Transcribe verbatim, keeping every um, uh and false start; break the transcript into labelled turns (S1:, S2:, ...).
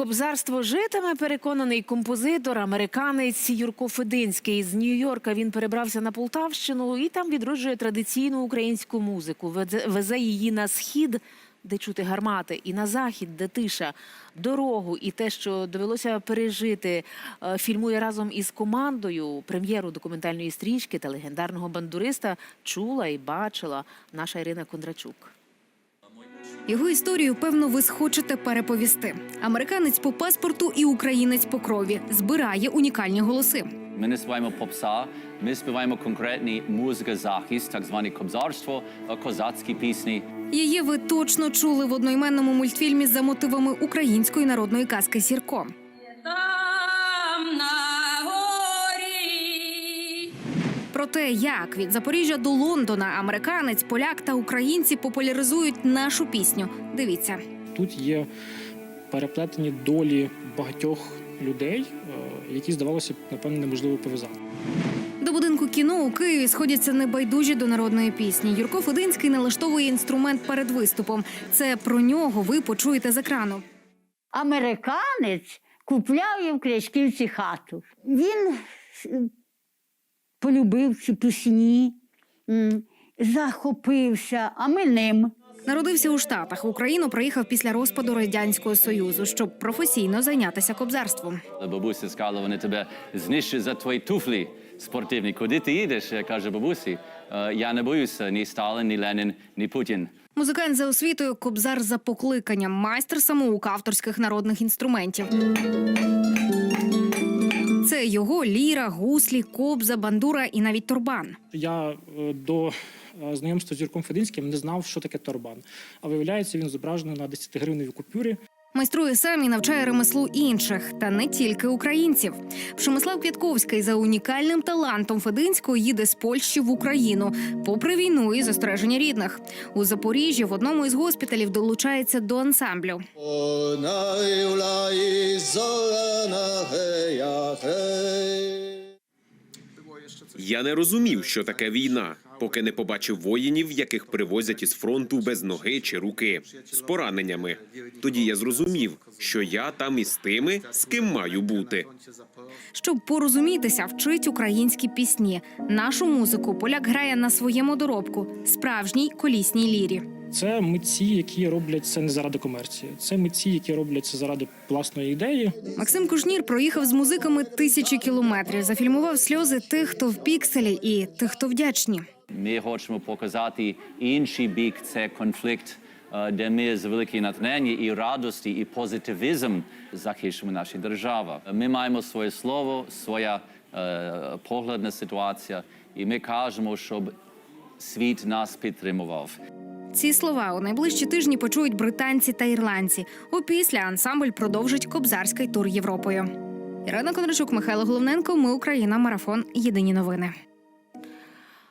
S1: Кобзарство житиме, переконаний композитор, американець Юрко Фединський. З Нью-Йорка він перебрався на Полтавщину і там відроджує традиційну українську музику. Везе її на схід, де чути гармати, і на захід, де тиша. Дорогу і те, що довелося пережити, фільмує разом із командою. Прем'єру документальної стрічки та легендарного бандуриста чула і бачила наша Ірина Кондрачук.
S2: Його історію, певно, ви схочете переповісти. Американець по паспорту і українець по крові. Збирає унікальні голоси.
S3: Ми не співаємо попса, ми співаємо конкретні музика-захист, так зване кобзарство, козацькі пісні.
S2: Її ви точно чули в одноіменному мультфільмі за мотивами української народної казки «Сірко». Про те, як від Запоріжжя до Лондона американець, поляк та українці популяризують нашу пісню. Дивіться.
S4: Тут є переплетені долі багатьох людей, які, здавалося б, напевно, неможливо пов'язати.
S2: До будинку кіно у Києві сходяться небайдужі до народної пісні. Юрко Фединський налаштовує інструмент перед виступом. Це про нього ви почуєте з екрану.
S5: Американець купляв їм в Крячківці хату. Він полюбив ці пісні, захопився, а ми ним.
S2: Народився у Штатах. В Україну приїхав після розпаду Радянського Союзу, щоб професійно зайнятися кобзарством.
S3: Бабуся сказала, вони тебе знищать за твої туфлі спортивні. Куди ти їдеш? Каже бабусі. Я не боюся ні Сталін, ні Ленін, ні Путін.
S2: Музикант за освітою, кобзар за покликанням, майстер самоук авторських народних інструментів. Це його ліра, гуслі, кобза, бандура і навіть торбан.
S4: Я до знайомства з Юрком Фединським не знав, що таке торбан. А виявляється, він зображений на десятигривневій купюрі.
S2: Майструє сам і навчає ремеслу інших, та не тільки українців. Пшемислав Квятковський за унікальним талантом Фединського їде з Польщі в Україну, попри війну і застереження рідних. У Запоріжжі в одному із госпіталів долучається до ансамблю.
S6: Я не розумів, що таке війна, поки не побачив воїнів, яких привозять із фронту без ноги чи руки, з пораненнями. Тоді я зрозумів, що я там із тими, з ким маю бути.
S2: Щоб порозумітися, вчить українські пісні. Нашу музику поляк грає на своєму доробку – справжній колісній лірі.
S4: Це митці, які роблять це не заради комерції. Це митці, які роблять це заради власної ідеї.
S2: Максим Кушнір проїхав з музиками тисячі кілометрів. Зафільмував сльози тих, хто в пікселі, і тих, хто вдячні.
S3: Ми хочемо показати інший бік – це конфлікт, де ми з великої натхнення і радості, і позитивізм захищаємо нашу державу. Ми маємо своє слово, своя е, погляд на ситуацію, і ми кажемо, щоб світ нас підтримував.
S2: Ці слова у найближчі тижні почують британці та ірландці. Опісля ансамбль продовжить кобзарський тур Європою. Ірина Кондрачук, Михайло Головненко. Ми Україна. Марафон. Єдині новини.